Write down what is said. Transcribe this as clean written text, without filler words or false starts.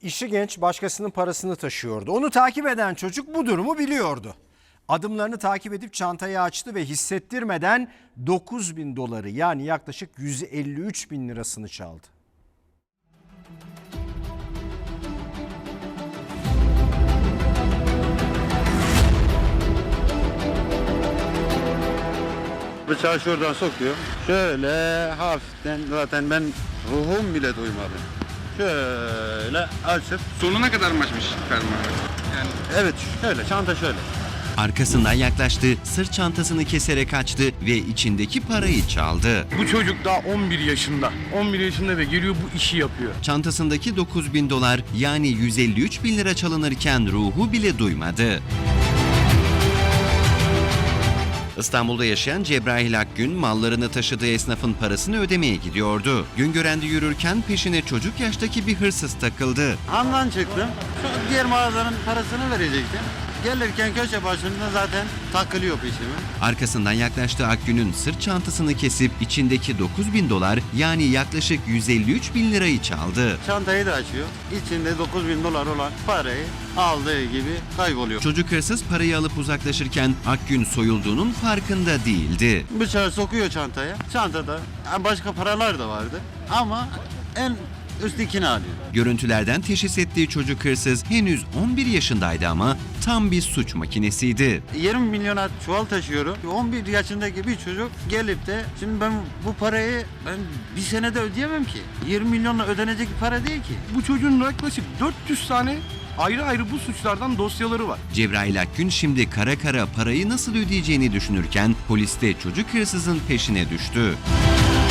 İşi genç, başkasının parasını taşıyordu. Onu takip eden çocuk bu durumu biliyordu. Adımlarını takip edip çantayı açtı ve hissettirmeden 9.000 doları yani yaklaşık 153 bin lirasını çaldı. Bıçağı şuradan sokuyor. Şöyle hafiften, zaten ben ruhum bile duymadı. Şöyle açıp, Sonuna kadar mı açmış fermuarı? Yani evet şöyle, çanta şöyle. Arkasından yaklaştı, sırt çantasını keserek açtı ve içindeki parayı çaldı. bu çocuk daha 11 yaşında. 11 yaşında ve geliyor bu işi yapıyor. Çantasındaki 9.000 dolar yani 153 bin lira çalınırken ruhu bile duymadı. İstanbul'da yaşayan Cebrail Akgün mallarını taşıdığı esnafın parasını ödemeye gidiyordu. Güngören'de yürürken peşine çocuk yaştaki bir hırsız takıldı. Handan çıktım, şu diğer mağazanın parasını verecektim. Gelirken köşe başında zaten takılıyor peşime. Arkasından yaklaştığı Akgün'ün sırt çantasını kesip içindeki 9.000 dolar yani yaklaşık 153 bin lirayı çaldı. Çantayı da açıyor. İçinde 9.000 dolar olan parayı aldığı gibi kayboluyor. Çocuk hırsız parayı alıp uzaklaşırken Akgün soyulduğunun farkında değildi. Bıçağı sokuyor çantaya. Çantada başka paralar da vardı ama en üsttekini alıyor. Görüntülerden teşhis ettiği çocuk hırsız henüz 11 yaşındaydı ama tam bir suç makinesiydi. 20 milyona çuval taşıyorum. 11 yaşındaki bir çocuk gelip de şimdi ben bu parayı bir senede ödeyemem ki. 20 milyonla ödenecek bir para değil ki. Bu çocuğun yaklaşık 400 tane ayrı ayrı bu suçlardan dosyaları var. Cebrail Akgün şimdi kara kara parayı nasıl ödeyeceğini düşünürken polis de çocuk hırsızın peşine düştü.